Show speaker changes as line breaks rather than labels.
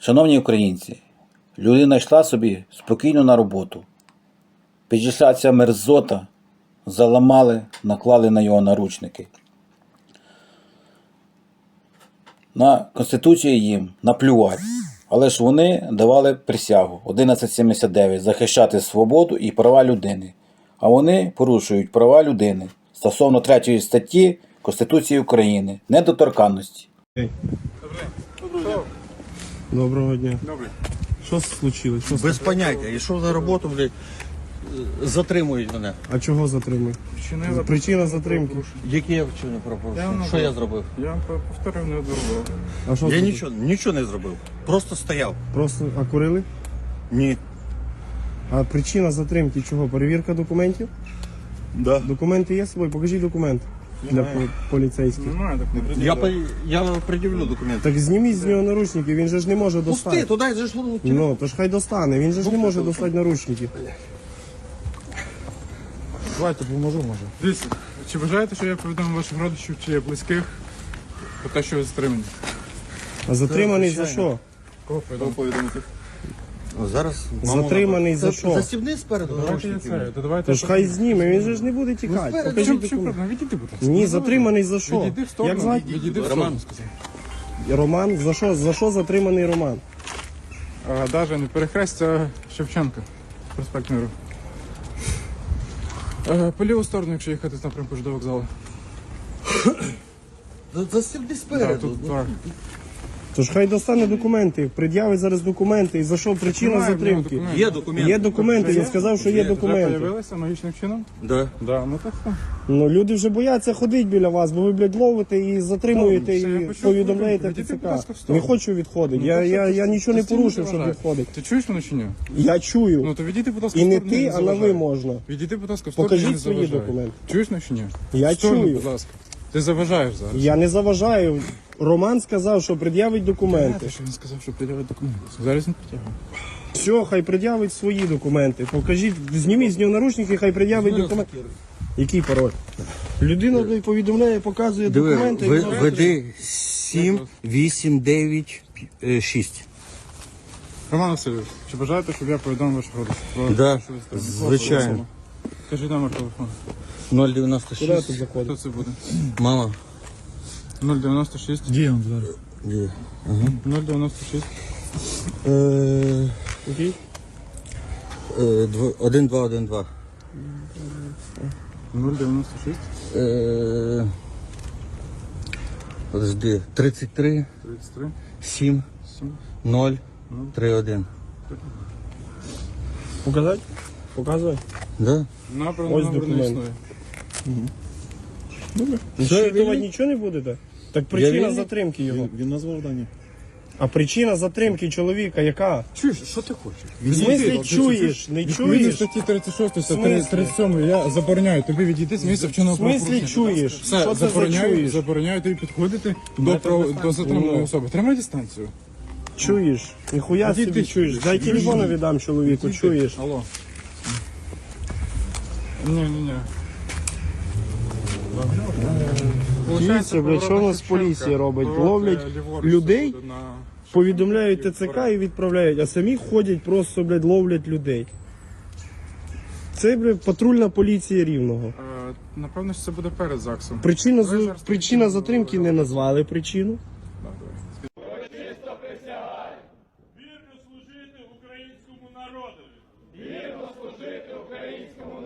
Шановні українці, людина йшла собі спокійно на роботу. Підійшла ця мерзота, заламали, наклали на його наручники. На Конституцію їм наплювати. Але ж вони давали присягу 1179 захищати свободу і права людини. А вони порушують права людини стосовно 3 статті Конституції України недоторканності.
Доброго дня.
Добре.
Що случилось? Що
Без поняття. Ішов на роботу, блядь, затримують мене.
А чого затримують? Причина затримки.
Які я вчинив правопорушення? Що я зробив?
Я вам повторив неодноразово.
А що
Я
зробили?
нічого не зробив. Просто стояв.
Просто курили?
Ні.
А причина затримки чого? Перевірка документів?
Да.
Документи є з собою? Покажіть документ для поліцейських.
Немає такого.
Я пред'явлю документи.
Так зніміть з нього наручники, він же ж не може
Пусти,
достати.
туди же ж воно.
Ну, то ж хай достане, він же ж не може достати наручники.
Давайте поможу, може. Дивіться, чи бажаєте, що я повідомив ваших родичів чи близьких про те, що ви затримані?
А затриманий за
звичайно.
що?
Кого повідомити?
Зараз.
Затриманий за що?
Застібни спереду
Давайте я
наручники.
це. То давайте.
То ж хай зніме, він же ж не буде тікати.
спереду.
Покажіть
Чим
документ.
проблема? Відійди, будь ласка.
Ні, затриманий за що?
Відійди в сторону.
Як звати?
Відійди в
Роман.
сторону, сказав.
Роман? За що? За що затриманий Роман?
Даже не перехрестя Шевченка. Проспект Миру. По ліву сторону, якщо їхати з напрямку до вокзалу.
Застібни
Так,
спереду.
тут так.
Тож хай достане документи, пред'явить зараз документи. І за що причина
Немає в нього
затримки?
документів.
Є документи.
Є документи, він сказав, що є
Вже
документи.
появилися магічним чином?
Да.
Да, ну так.
Ну люди вже бояться ходити біля вас, бо ви, блядь, ловите і затримуєте,
Все, я
і
почув,
повідомляєте
відійди, будь
ТЦК.
ласка, в сторону.
Не хочу відходити.
Ну,
Я нічого не
Ти
порушив,
стільки
щоб
вважаєш?
відходити.
Ти чуєш мене чи ні?
Я чую.
Ну то відійди, будь ласка,
І
в
не
сторону,
ти, а на
заважай.
ви можна.
Відійди, будь ласка, в сторону,
Покажіть
не
свої
заважай.
документи.
Чуєш мене чи ні?
Я
В сторону,
чую.
будь ласка. Ти заважаєш зараз.
Я не заважаю. Роман сказав, що пред'явить документи.
Знаєте, що він сказав, що пред'явить документи. Зараз він притягує.
Все, хай пред'явить свої документи. Покажіть, зніміть з нього наручники, хай пред'явить документи. Який пароль? Людина блядь, повідомляє, показує документи. і все.
Веди 7, 8, 9, 6.
Роман Васильович, чи бажаєте, щоб я повідомив ваших родичів? Про
Да,
що ви затримані?
звичайно.
Кажіть номер телефону.
Куди
096.
тут заходить?
Хто це буде?
Мама.
096.
Где он зараз? Где?
096.
Який?
1212.
096.
Подожди. 33,
33.
7,
7.
0, 31.
Показати? Показує?
Да?
Набрано
Ось
номер не
документ.
існує.
Щитувати нічого не будете? Так причина
вільний.
затримки його.
Він назвав дані.
А причина затримки чоловіка яка?
Чуєш, що ти хочеш?
В смислі чуєш? Не
Відповідно
чуєш?
статті 36
смислі?
та 37 я забороняю тобі відійти з місця вченого
В смислі
правопорушення.
чуєш?
Все,
Що це за чуєш?
забороняю тобі підходити
Ну,
до затриманої
Ну.
особи. Тримай дистанцію.
Чуєш? Ніхуя
Відійди.
собі чуєш. Дай телефон віддам чоловіку, чуєш?
Алло. Ні.
Дивіться, блядь, що у нас поліція робить? Ловлять людей, повідомляють ТЦК і відправляють, а самі ходять просто, блядь, ловлять людей. Це, блядь, патрульна поліція Рівного.
Напевно, що це буде перед ЗАГСом.
Причина затримки не назвали причину.
Вірно служити українському народові. Вірно служити українському